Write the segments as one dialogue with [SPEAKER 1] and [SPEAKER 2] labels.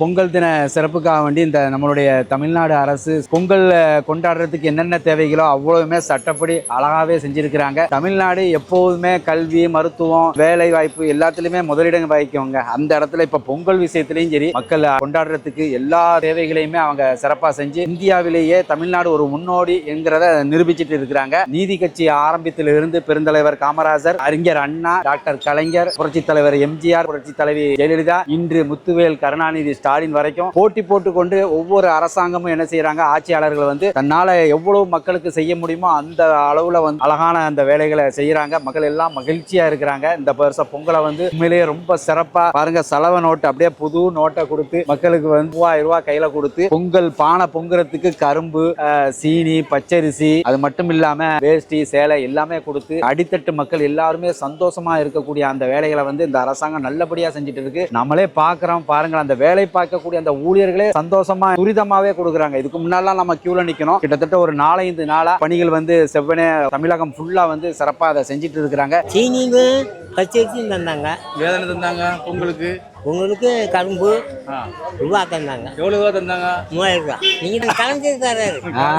[SPEAKER 1] பொங்கல் தின சிறப்புக்காக வேண்டி இந்த நம்மளுடைய தமிழ்நாடு அரசு பொங்கல் கொண்டாடுறதுக்கு என்னென்ன தேவைகளோ அவ்வளவுமே சட்டப்படி அழகாவே செஞ்சிருக்கிறாங்க. தமிழ்நாடு எப்போதுமே கல்வி, மருத்துவம், வேலை வாய்ப்பு எல்லாத்துலயுமே முதலிடம் வகிக்குவாங்க. அந்த இடத்துல இப்ப பொங்கல் விஷயத்திலையும் சரி, மக்கள் கொண்டாடுறதுக்கு எல்லா தேவைகளையுமே அவங்க சிறப்பா செஞ்சு இந்தியாவிலேயே தமிழ்நாடு ஒரு முன்னோடி என்கிறத நிரூபிச்சிட்டு இருக்கிறாங்க. நீதி கட்சி ஆரம்பித்திலிருந்து பெருந்தலைவர் காமராஜர், அறிஞர் அண்ணா, டாக்டர் கலைஞர், புரட்சி தலைவர் எம்ஜிஆர், புரட்சி தலைவி ஜெயலலிதா, இன்று முத்துவேல் கருணாநிதி ஸ்டாலின் வரைக்கும் போட்டி போட்டுக்கொண்டு ஒவ்வொரு அரசாங்கமும் என்ன செய்யறாங்க, ஆட்சியாளர்கள் தன்னால எவ்வளவு மக்களுக்கு செய்ய முடியுமோ அந்த அளவுல அழகான அந்த வேலைகளை செய்யறாங்க. மக்கள் எல்லாம் மகிழ்ச்சியா இருக்கிறாங்க. இந்த வருஷம் பொங்கலை உண்மையிலேயே ரொம்ப சிறப்பா பாருங்க. செலவு நோட்டு அப்படியே புது நோட்டை கொடுத்து மக்களுக்கு 3000 ரூபாய் கையில கொடுத்து பொங்கல் பானை பொங்குறதுக்கு கரும்பு, சீனி, பச்சரிசி, அது மட்டும் இல்லாம வேஷ்டி, சேலை எல்லாமே கொடுத்து அடித்தட்டு மக்கள் எல்லாருமே சந்தோஷமா இருக்கக்கூடிய அந்த வேலைகளை இந்த அரசாங்கம் நல்லபடியா செஞ்சுட்டு இருக்கு. நம்மளே பாக்குறோம் பாருங்க. அந்த வேலை பார்க்கக்கூடிய அந்த ஊழியர்களே சந்தோஷமா துரிதமாவே கொடுக்குறாங்க. இதுக்கு முன்னாலாம் நம்ம கியூல நிக்கணும். கிட்டத்தட்ட ஒரு 4-5 நாளா பணிகள் செவ்வனே தமிழகம் ஃபுல்லா சிறப்பா அதை செஞ்சுட்டு இருக்கிறாங்க.
[SPEAKER 2] சீனிங்க பச்சரிசியும் தந்தாங்க.
[SPEAKER 3] வேதனை தந்தாங்க.
[SPEAKER 2] உங்களுக்கு கரும்பு ரூபா தந்தாங்க.
[SPEAKER 3] எவ்வளவு ரூபா தந்தாங்க?
[SPEAKER 2] 3000 ரூபா. நீங்க கலந்து தராரு.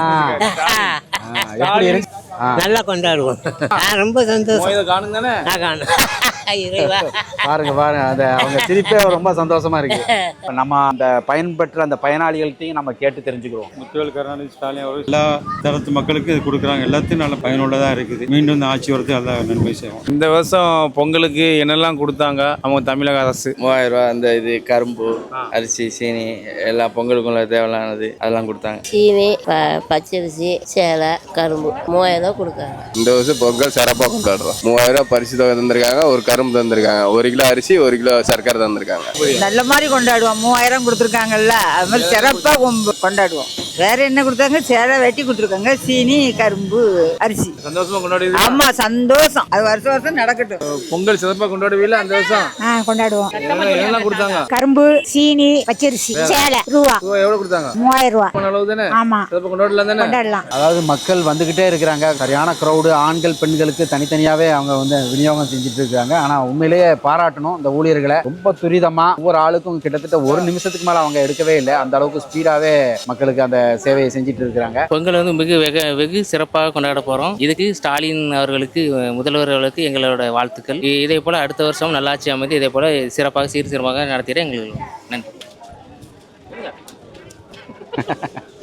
[SPEAKER 2] நல்லா கொண்டாடுவோம். ரொம்ப சந்தோஷம்.
[SPEAKER 3] காணுங்க தானே?
[SPEAKER 2] காணும்.
[SPEAKER 1] பாருங்க பாருங்க, அவங்க சிரிப்பே ரொம்ப சந்தோஷமா இருக்கு. நம்ம அந்த பயன்பெற்ற அந்த பயனாளிகள்கிட்டையும் நம்ம கேட்டு தெரிஞ்சுக்கிறோம்.
[SPEAKER 3] முத்துவேல் கருணாநிதி ஸ்டாலின் அவர்கள் எல்லா தரத்து மக்களுக்கு இது கொடுக்குறாங்க. எல்லாத்தையும் நல்ல பயனுள்ளதா இருக்குது. மீண்டும் இந்த ஆட்சி வரது எல்லாம் நன்மை செய்வோம்.
[SPEAKER 4] இந்த வருஷம் பொங்கலுக்கு என்னெல்லாம் கொடுத்தாங்க அவங்க தமிழக அரசு?
[SPEAKER 5] 3000 ரூபா. அந்த இது கரும்பு, அரிசி, சீனி எல்லாம் பொங்கலுக்குள்ள தேவையானது அதெல்லாம் கொடுத்தாங்க.
[SPEAKER 6] சீனி, பச்சரிசி, சேலை, கரும்பு 3000 ரூபா கொடுத்தாங்க.
[SPEAKER 5] இந்த வருஷம் பொங்கல் சிறப்பாக கொண்டாடுறோம். 3000 ரூபா பரிசு தொகை தந்திருக்காங்க. ஒரு கரும்பு தந்திருக்காங்க. 1 கிலோ அரிசி, 1 கிலோ சர்க்கரை தந்திருக்காங்க.
[SPEAKER 7] நல்ல மாதிரி கொண்டாடுவோம். 3000 கொடுத்துருக்காங்கல்ல, அது மாதிரி சிறப்பாக கொண்டாடுவோம். வேற என்ன கொடுத்தாங்க? சேலை வெட்டி கொடுத்துருக்காங்க. சீனி, கரும்பு, அரிசி.
[SPEAKER 3] சந்தோஷமா கொண்டாடி.
[SPEAKER 7] ஆமா, சந்தோஷம். அது வருஷம் வருஷம் நடக்கட்டும்.
[SPEAKER 3] பொங்கல் சிறப்பாக கொண்டாடுவீங்களா அந்த வருஷம்?
[SPEAKER 7] கொண்டாடுவோம்.
[SPEAKER 3] என்னெல்லாம் கொடுத்தாங்க?
[SPEAKER 6] கரும்பு, சீனி, பச்சரிசி, சேலை, ரூபா.
[SPEAKER 3] எவ்வளவு கொடுத்தாங்க?
[SPEAKER 6] 3000 ரூபா.
[SPEAKER 3] அளவு தானே?
[SPEAKER 6] ஆமா,
[SPEAKER 3] சிறப்பாக கொண்டாடலாம் தானே?
[SPEAKER 6] கொண்டாடலாம்.
[SPEAKER 1] அதாவது மக்கள் வந்துகிட்டே இருக்கிறாங்க. சரியான கிரௌடு. ஆண்கள் பெண்களுக்கு தனித்தனியாவே அவங்க விநியோகம் செஞ்சுட்டு இருக்காங்க. ஆனா உண்மையிலேயே பாராட்டணும் இந்த ஊழியர்களை. ரொம்ப துரிதமா ஒவ்வொரு ஆளுக்கும் கிட்டத்தட்ட 1 நிமிஷத்துக்கு மேல அவங்க எடுக்கவே இல்லை. அந்த அளவுக்கு ஸ்பீடாவே மக்களுக்கு அந்த சேவையை செஞ்சுட்டு இருக்கிறாங்க.
[SPEAKER 8] பொங்கல் வெகு சிறப்பாக கொண்டாட போறோம். இதுக்கு ஸ்டாலின் அவர்களுக்கு, முதல்வர் அவர்களுக்கு எங்களோட வாழ்த்துக்கள். இதே போல அடுத்த வருஷம் நல்லாட்சி அமைந்து இதே போல சிறப்பாக சீர்திருத்தமாக நடத்திட எங்களுக்கு நன்றி.